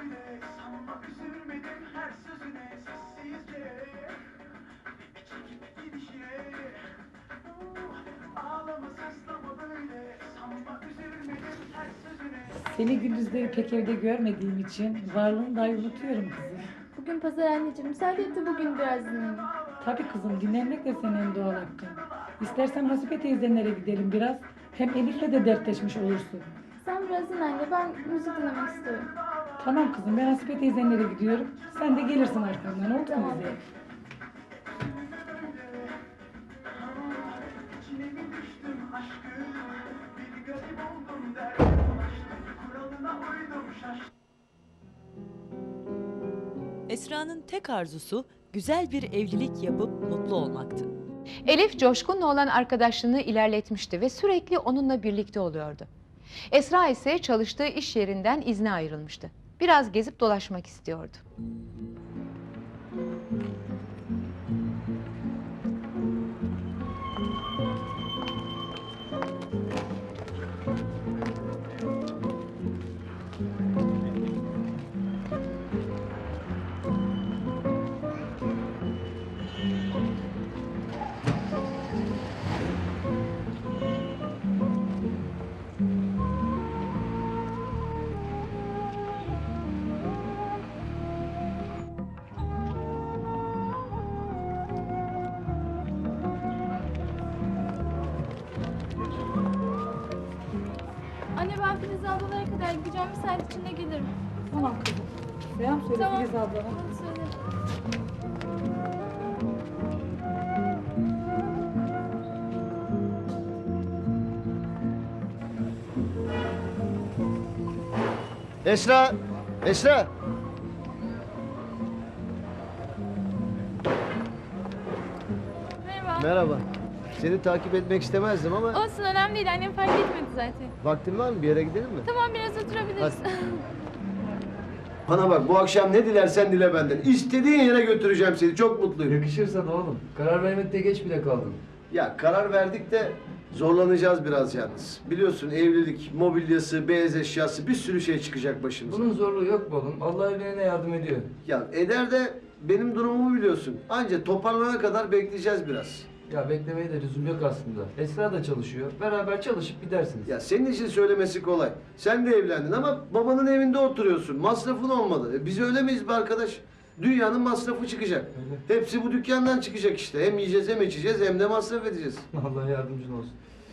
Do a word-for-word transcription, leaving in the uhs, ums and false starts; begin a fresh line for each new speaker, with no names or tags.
Seni gündüzleri pek evde görmediğim için varlığını dahi unutuyorum kızım.
Bugün pazar anneciğim. Müsaade et de bugün biraz dinleneyim.
Tabii kızım, dinlenmek de senin en doğal hakkın. İstersen Hasibe teyzenlere gidelim biraz. Hem Elif'le de dertleşmiş olursun.
Sen biraz dinlen anne. Ben müzik dinlemek istiyorum.
Tamam kızım, ben Hasibe teyzenlere gidiyorum. Sen de gelirsin arkamdan, oldu mu
Tamam.
bize?
Esra'nın tek arzusu güzel bir evlilik yapıp mutlu olmaktı.
Elif Coşkun'la olan arkadaşlığını ilerletmişti ve sürekli onunla birlikte oluyordu. Esra ise çalıştığı iş yerinden izne ayrılmıştı. Biraz gezip dolaşmak istiyordu.
Anne ben Filiz ablalara kadar gideceğim. Bir saat içinde gelirim.
Tamam kızım. Selam söyle
Tamam.
Filiz ablana.
Hadi söyle.
Esra! Esra!
Merhaba.
Merhaba. Seni takip etmek istemezdim ama
Olsun önemli değil. Annem fark etmedi zaten.
vaktin var mı? Bir yere gidelim mi?
Tamam biraz oturabiliriz.
Bana bak, bu akşam ne dilersen dile benden. İstediğin yere götüreceğim seni. Çok mutluyum.
Yakışırsa da oğlum. Karar vermekte geç bile kaldın.
Ya karar verdik de zorlanacağız biraz yalnız. Biliyorsun evlilik, mobilyası, beyaz eşyası bir sürü şey çıkacak başımıza.
Bunun zorluğu yok mu oğlum? Allah evlenene yardım ediyor.
Ya eder de benim durumumu biliyorsun. Anca toparlanana kadar bekleyeceğiz biraz.
Ya beklemeye de lüzum yok aslında. Esra da çalışıyor. Beraber çalışıp gidersiniz.
Ya senin için söylemesi kolay. Sen de evlendin ama babanın evinde oturuyorsun. Masrafın olmadı. E biz öyle miyiz be arkadaş? Dünyanın masrafı çıkacak.
Öyle.
Hepsi bu dükkandan çıkacak işte. Hem yiyeceğiz hem içeceğiz hem de masraf edeceğiz.
Allah yardımcın olsun.